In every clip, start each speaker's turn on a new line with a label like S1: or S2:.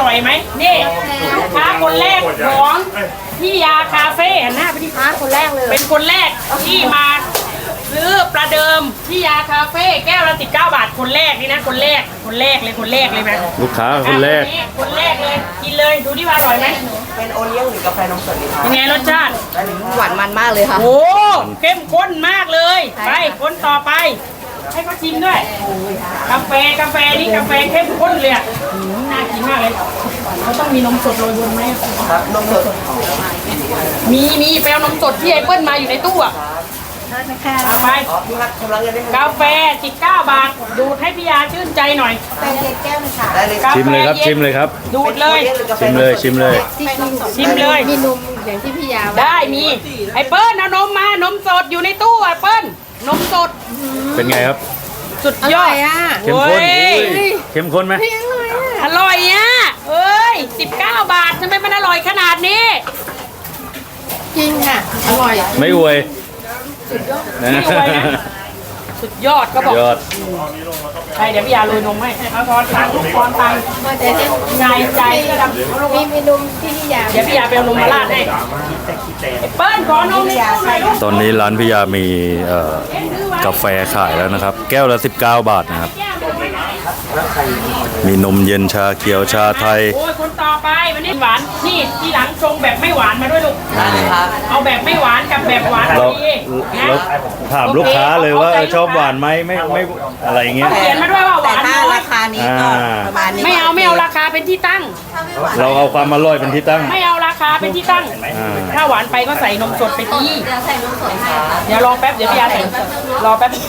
S1: ร่อยไหมนี่ลูกค้าคนแรกของพี่ยาคาเฟ่หันหน้าไปที่ค้าคนแรกเลยเป็นคนแรกที่มาซื้อประเดิมพี่ยาคาเฟ่แก้วละ19 บาทคนแรกนี่นะคนแรกเลยไหม
S2: ลูกค้าคนแรก
S1: คนแรกเลยกินเลยดูที่ว่าอร่อยไหม
S3: เป็นโอเลี้ยงหรือกาแฟนมสดดีครับ
S1: เป็นไงรสชาติ
S4: หวานมันมากเลยค่ะ
S1: โอ้เข้มข้นมากเลยไปคนต่อไปให้เขาชิมด้วยกาแฟนี่กาแฟเข้มข้นเลยอ่ะน่ากินมากเลยเขาต้องมีนมสดโรยบนไหม
S3: ครับนมสด
S1: มีแปลวนมสดที่ไอเปิ้ลมาอยู่ในตู้อ่ะเอาไป
S3: อ๋อพี่ครับชำระเงินได้ไหม
S1: กาแฟ19 บาทดูดให้พี่ยาชื่นใจหน่อย
S3: ได้เลย
S1: กาแฟ
S2: ชิมเลยครับ
S1: น
S2: ชิมเลยครับ
S1: ดูดเลย
S2: ชิมเลยชิมเลย
S1: ชิมเลย
S4: มีนมอย่างที่พี่ยาว่า
S1: ได้มีไอเปิ้ลเอานมมานมสดอยู่ในตู้อ่ะเปิ้ลนมสด
S2: เป็นไงครับ
S1: สุด
S4: อย
S1: อ
S4: ร่อ
S1: ด
S4: ยอ่ะ
S2: เข้มข้น
S1: โอ้ย
S2: เข้มข้นไหม
S1: อร่อยอ่ะเอ้ย19 บาททำไมมันอร่อยขนาดนี้
S4: จริงค่ะ อร่อย
S2: ไม่อวย
S1: ไม่อวยนะ สุดยอดก็บอก
S2: ยอด
S1: ใช่เดี๋ยวพี่ยาโรยนมให้เอาทอนตังค์ทอนตังค์
S4: ก็จะได้
S1: ใจก็ดำเอาลง
S4: มีนมที่พี่ยา
S1: เดี๋ยวพี่ยาไปเอานมมาราดให้ไอ้เปิ้ลขอนมให้ตู้หน่อยลูก
S2: ตอนนี้ร้านพิยามีกาแฟขายแล้วนะครับ แก้วละ19 บาทนะครับ มีนมเย็นชาเขียวชาไทย
S1: โอ้ยคนต่อไปวันนี้หวานนี่ที่หลังชงแบบไม่หวานมาด้วยลูก
S3: ได้เลยครับ
S1: เอาแบบไม่หวานกับแบบหวานพ
S2: เรา
S1: อดีนะ
S2: เราถามลูกค้าเลยว่าชอบหวานไหมไม่อะไรอย่างเงี้ย
S1: เขียนมาด้วยว่าห
S3: แต่
S1: วาน
S3: ถ้า
S1: น้อย
S3: ราคานี้ก็ประมาณนี้
S1: ไม่เอาราคาเป็นที่ตั้ง
S2: เราเอาความอร่อยเป็นที่ตั้ง
S1: ไม่เอาราคาเป็นที่ตั้ง
S2: อ่า
S1: ถ้าหวานไปก็ใส่นมสดไปที
S4: เดี๋ยวใส่นมสดให้ค่ะ
S1: เดี๋ยวรอแป๊บเดี๋ยวพี่ยาใส่รอแป๊บ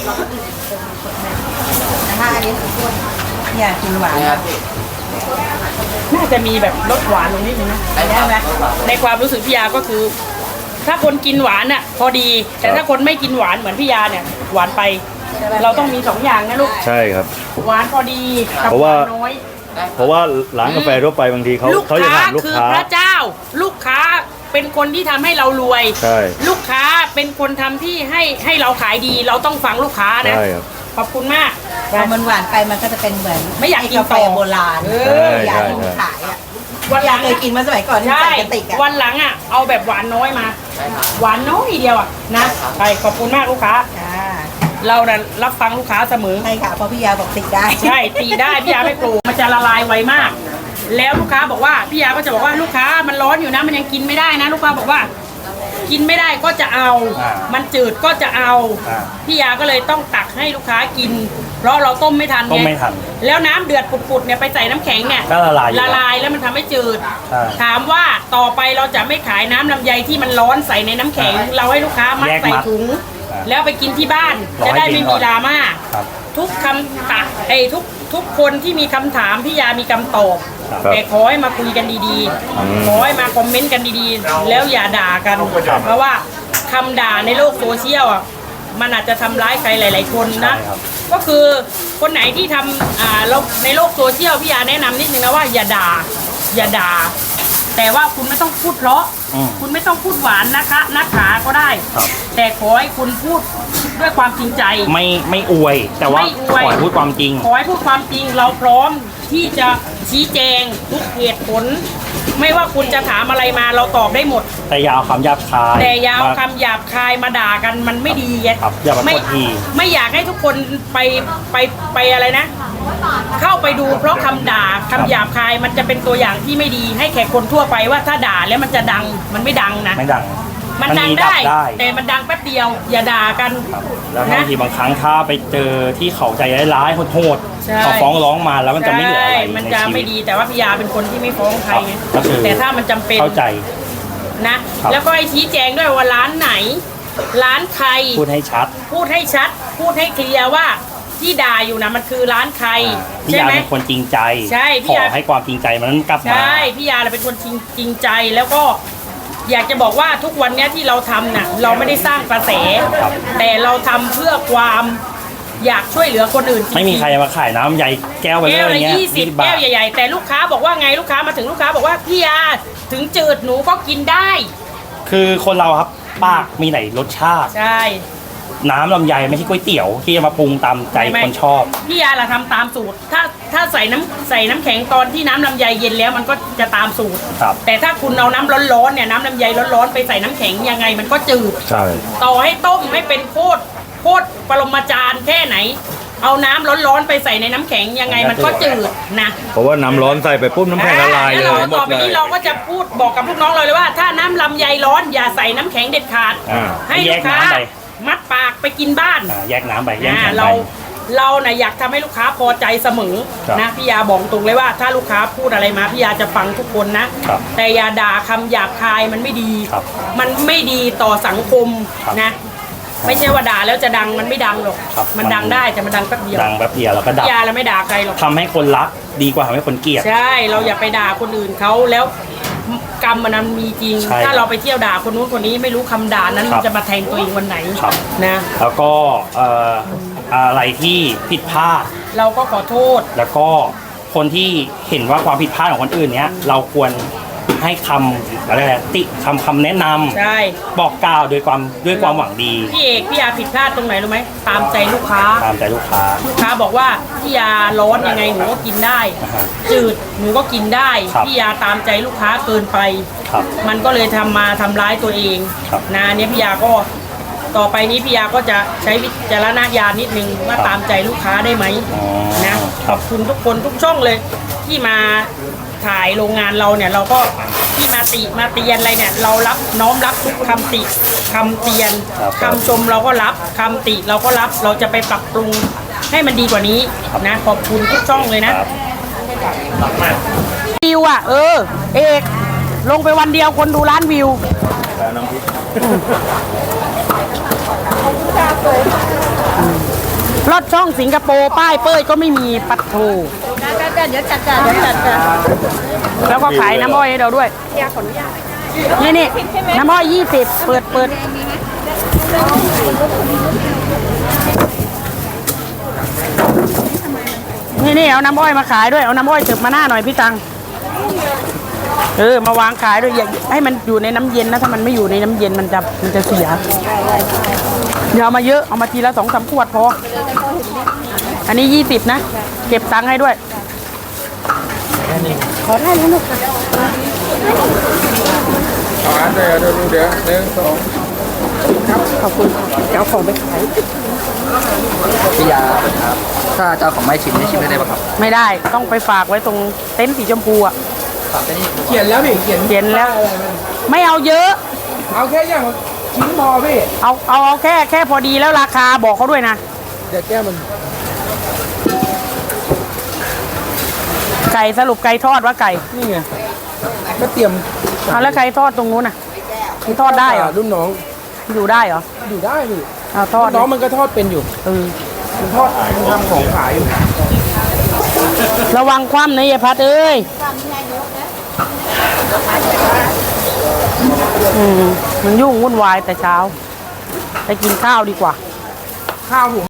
S3: ถ้าอันนี้อยากกินหวานครับ
S1: น่าจะมีแบบรสหวานตรงนี้นึงนะได้ไหมในความรู้สึกพี่ยาก็คือ ถ้าคนกินหวานอ่ะพอดี แต่ถ้าคนไม่กินหวานเหมือนพี่ยาเนี่ยหวานไป เราต้องมี2 อย่างนะลูก
S2: ใช่ครับ
S1: หวานพอดีกับ
S2: เพราะ
S1: ห
S2: ว่า
S1: วานน้อย
S2: เพราะว่าร้านกาแฟทั่วไปบางทีเขา
S1: ลูก
S2: เขาจะ
S1: ค้า
S2: ถามลูก
S1: คือ
S2: ค้า
S1: พระเจ้า ลูกค้าเป็นคนที่ทำให้เรารวย
S2: ใช่
S1: ลูกค้าเป็นคนทำที่ให้เราขายดี เราต้องฟังลูกค้านะ
S2: ใช่ครับ
S1: ขอบคุณมาก
S3: พอมันหวานไปมันก็จะเป็นเหมือน
S1: ไม่อยากกิน
S3: กาแฟ
S1: ต่อ
S3: โบราณ อยากกินขายอ่ะ
S1: วันหลัง
S3: เคยกินมาสมัยก่อนที่
S1: ใช่
S3: ใส่กระติกอ่ะ
S1: วันหลังอ่ะเอาแบบหวานน้อยมา หวานน้อยเดียวอ่ะนะไปขอบคุณมากลูกค้า
S3: จ้า
S1: เราน่ะรับฟังลูกค้าเสมอ
S3: ใช่ค่ะเพราะพี่ยาบอกติดได้
S1: ใช่ตีได้พี่ยาไม่ปลูกมันจะละลายไวมาก แล้วลูกค้าบอกว่าพี่ยาก็จะบอกว่าลูกค้ามันร้อนอยู่นะมันยังกินไม่ได้นะ ลูกค้าบอกว่า กินไม่ได้ก็จะเอา มันจืดก็จะเอาพี่ยาก็เลยต้องตักให้ลูกค้ากิน เพราะเราต้มไม่ทัน
S5: ต้ม
S1: ไง
S5: ไม่ทัน
S1: แล้วน้ำเดือดปุดๆเนี่ยไปใส่น้ำแข็งเนี่ย
S5: ก็ละลายอยู่
S1: ละลายแล้วมันทำให้จืด
S5: ใช่
S1: ถามว่าต่อไปเราจะไม่ขายน้ำลำไยที่มันร้อนใส่ในน้ำแข็ง เราให้ลูกค้ามัด
S5: แยกมัด
S1: ใส่ถุง แล้วไปกินที่บ้าน
S5: รอให้
S1: จะได้ไม่
S5: เย็นก่
S1: มี
S5: อน
S1: ดราม่า
S5: ครับ
S1: ทุกคำตักทุกคนที่มีคำถามพี่ยามีคำตอบ
S2: ครับ
S1: แต่ขอให้มาคุยกันดีๆ ขอให้มาคอมเมนต์กันดีๆ แล้วอย่าด่ากัน เพราะว่าคำด่าในโลกโซเชียลอ่ะมันอาจจะทำร้ายใครหลาย ๆ คนนะ
S5: ใช่ครับ
S1: ก็คือคนไหนที่ทำเราในโลกโซเชียลพี่ยาแนะนำนิดนึงนะว่าอย่าด่า แต่ว่าคุณไม่ต้องพูดเพราะ คุณไม่ต้องพูดหวานนะคะนักขาก็ได้
S5: ครับ
S1: แต่ขอให้คุณพูดด้วยความจริงใจ
S5: ไม่อวย แต่ว่า
S1: ไม่อ
S5: ข
S1: วย
S5: อให้พูดความจริง
S1: ขอให้พูดความจริงเราพร้อมที่จะชี้แจงทุกเหตุผล ไม่ว่าคุณจะถามอะไรมาเราตอบได้หมด
S5: แต่อยาเอาคำหยาบคาย
S1: แต่อยาว
S5: มา
S1: คำหยาบคายมาด่ากันมันไม่ดีไง
S5: ครับอย่ามา
S1: ไม่
S5: กดขี่
S1: ไม่อยากให้ทุกคนไปอะไรนะ เข้าไปดูเพราะคำด่าคำหยาบคายมันจะเป็นตัวอย่างที่ไม่ดีให้แขกคนทั่วไปว่าถ้าด่าแล้วมันจะดังมันไม่ดังนะ
S5: ไม่ดัง
S1: มันดัง
S5: มี
S1: ได้
S5: ได้
S1: แต่มันดังแป๊บเดียว อย่าด่ากัน
S5: แล้ว
S1: นะ
S5: บางทีบางครั้งถ้าไปเจอที่เขาใจร้ายๆโหด
S1: ใช่
S5: ๆเขาฟ้องร้องมาแล้วมันจะไม่เหลืออะไร
S1: ใช่มัน
S5: ใน
S1: จะ
S5: ชี
S1: ไม่
S5: วิต
S1: ดีแต่ว่าพี่ยาเป็นคนที่ไม่ฟ้องใครไง
S5: ก็คือ
S1: แต่ถ้ามันจำเป็น
S5: เข้าใจ
S1: นะ
S5: ครับ
S1: แล้วก็ให้ชี้แจงด้วยว่าร้านไหน ร้านใคร
S5: พูดให้ชัด
S1: พูดให้ชัด พูดให้เคลียร์ว่าที่ด่าอยู่นะมันคือร้านใคร
S5: พี่
S1: ใช่
S5: ยา
S1: ไหม
S5: เป็นคนจริงใจ
S1: ใช่พี่
S5: ข
S1: ยา
S5: อให้ความจริงใจมันกลับมา
S1: ใช่พี่ยาเป็นคนจริงใจแล้วก็อยากจะบอกว่าทุกวันเนี้ยที่เราทำน่ะเราไม่ได้สร้างกระแส แต่เราทำเพื่อความอยากช่วยเหลือคนอื่นจงๆ
S5: ไม่มีใครมาขายน้ำใหญ่แก้วไปเล
S1: แก้วย ละ
S5: เงี้ย
S1: 20
S5: บา
S1: แก้
S5: ท
S1: วใหญ่ๆแต่ลูกค้าบอกว่าไงลูกค้ามาถึงลูกค้าบอกว่าพี่ยาถึงจืดหนูก็กินได้
S5: คือคนเราครับปากมีไหนรสชาติ
S1: ใช่
S5: น้ำลำไยไม่ใช่ก๋วยเตี๋ยวที่จะมาปรุงตามใจคนชอบ
S1: พี่ยาล่ะทำตามสูตร ถ้าใส่น้ำแข็งตอนที่น้ำลำไยเย็นแล้วมันก็จะตามสูตร
S5: ครับ
S1: แต่ถ้าคุณเอาน้ำร้อนๆเนี่ยน้ำลำไยร้อนๆไปใส่น้ำแข็งยังไงมันก็จืด
S2: ใช่
S1: ต่อให้ต้มให้เป็นโคตรปรมาจารย์แค่ไหน เอาน้ำร้อนๆไปใส่ในน้ำแข็งยังไงมันก็จืดนะ
S2: เพราะว่าน้ำร้อนใส่ไปปุ๊บน้ำแข็งละลายเล
S1: แล้ว
S2: ย
S1: เราต่อไปนี้เราก็จะพูดบอกกับลูกน้องเราเลยว่า ถ้าน้ำลำไยร้อนอย่าใส่น้ำแข็งเด็ดขาด
S2: อ่า
S1: ให้ลูกค้า
S5: แยกน้ำไป
S1: มัดปากไปกินบ้าน
S5: แยกน้ำไปแยก
S1: อ่า
S5: น้ำไป
S1: เราน่ะอยากทำให้ลูกค้าพอใจเสมอ
S5: ครับ
S1: นะพี่ยาบอกตรงเลยว่า ถ้าลูกค้าพูดอะไรมาพี่ยาจะฟังทุกคนนะ
S5: ครับ
S1: แต่อย่าด่าคำหยาบคายมันไม่ดี
S5: ครับ
S1: มันไม่ดีต่อสังคม
S5: ครับ
S1: นะ ไม่ใช่ว่าด่าแล้วจะดังมันไม่ดังหรอก
S5: ครับ
S1: มันดังได้แต่มันดังแป๊บเดียว
S5: ดังแป๊บเดียวแล้วก็ดับ
S1: พี่ยาเราไม่ด่าใครหรอก
S5: ทำให้คนรักดีกว่าทำให้คนเกลียด
S1: ใช่เราอย่าไปด่าคนอื่นเขาแล้วกรรมมันมีจริง
S5: ใช่
S1: ถ้าเราไปเที่ยวด่าคนนู้นคนนี้ไม่รู้คำด่านั้น
S5: ครับ
S1: จะมาแทงตัวเองวันไหน
S5: ครับ
S1: นะ
S5: แล้วก็อะไรที่ผิดพลาด
S1: เราก็ขอโทษ
S5: แล้วก็คนที่เห็นว่าความผิดพลาดของคนอื่นเนี้ยเราควรให้คำอะไรนะติคำแนะนำ
S1: ใช่
S5: บอกกล่าวด้วยความหวังดี
S1: พี่เอกพี่ยาผิดพลาดตรงไหนรู้ไหมตามใจลูกค้า
S5: ตามใจลูกค้า
S1: ลูกค้าบอกว่าพี่ยาร้อนยังไงหนูก็กินได้
S5: อ่าฮะ
S1: จืดหนูก็กินได้
S5: ครับ
S1: พี่ยาตามใจลูกค้าเกินไป
S5: ครับ
S1: มันก็เลยทำร้ายตัวเอง
S5: ครับ
S1: นะเนี่ยพี่ยาก็ต่อไปนี้พี่ยาก็จะใช้วิจารณญาณนิดนึงว่า
S5: ครับ
S1: ตามใจลูกค้าได้ไหม
S5: อ๋อ
S1: นะขอบคุณทุกคนทุกช่องเลยที่มาถ่ายโรงงานเราเนี่ยเราก็ที่มาเตียนอะไรเนี่ยเรารับน้อมรับทุกคำติคำเตียน
S5: ครับ
S1: คำชมเราก็รับคำติเราก็รับเราจะไปปรับปรุงให้มันดีกว่านี้นะขอบคุณทุกช่องเลยนะครับ วิวอ่ะเอกลงไปวันเดียวคนดูล้านวิวรถช่องสิงคโปร์ป้ายเป้ยก็ไม่มีปัดโถ
S3: เดี๋ยวจัดการเดี๋ยวจัดการ
S1: แล้วก็ขายน้ำอ้อยให้เราด้วยนี่น้ำอ้อย20เปิดนี่เอาน้ำอ้อยมาขายด้วยเอาน้ำอ้อยตึบมาหน้าหน่อยพี่ตังมาวางขายด้วยอย่าให้มันอยู่ในน้ำเย็นนะถ้ามันไม่อยู่ในน้ำเย็นมันจะเสียอย่าเอามาเยอะเอามาทีละ2-3 ขวดพออันนี้20นะเก็บตังค์ให้ด้วยขอได้แล้วลูก
S6: เอาอันเดียวเดี๋ยว1 2
S1: ขอบคุณจะเอาของไปขาย
S6: พี่ยาครับถ้าเจ้าของไม่ชิมนี่ชิมได้เลยป่ะครับ
S1: ไม่ได้ต้องไปฝากไว้ตรงเต็นท์สีชมพูอ่ะ
S6: ฝากไปนี่
S7: เขียนแล้วพี่เขียน
S1: เห็นแล้ว ไม่เอาเยอะ
S7: เอาแค่อย่างละชิ้นพอพี่
S1: เอาแค่พอดีแล้วราคาบอกเขาด้วยนะ
S7: เดี๋ยวแก้มัน
S1: ไก่สรุปไก่ทอดว่าไก่
S7: นี่ไงก็เตรียม
S1: เอาแล้วไก่ทอดตรงนู้นน่ะมันทอดได้เหรอ
S7: รุ่นน้อง
S1: อยู่ได้เหรอ
S7: อยู่ได้พี่
S1: เอาทอด
S7: น้องมันก็ทอดเป็นอยู่ มันทอดมันทำของขายอยู่
S1: ระวังคว่ำนะยายพัดเอ้ยมันยุ่งวุ่นวายแต่เช้าไปกินข้าวดีกว่า
S7: ข้าวผม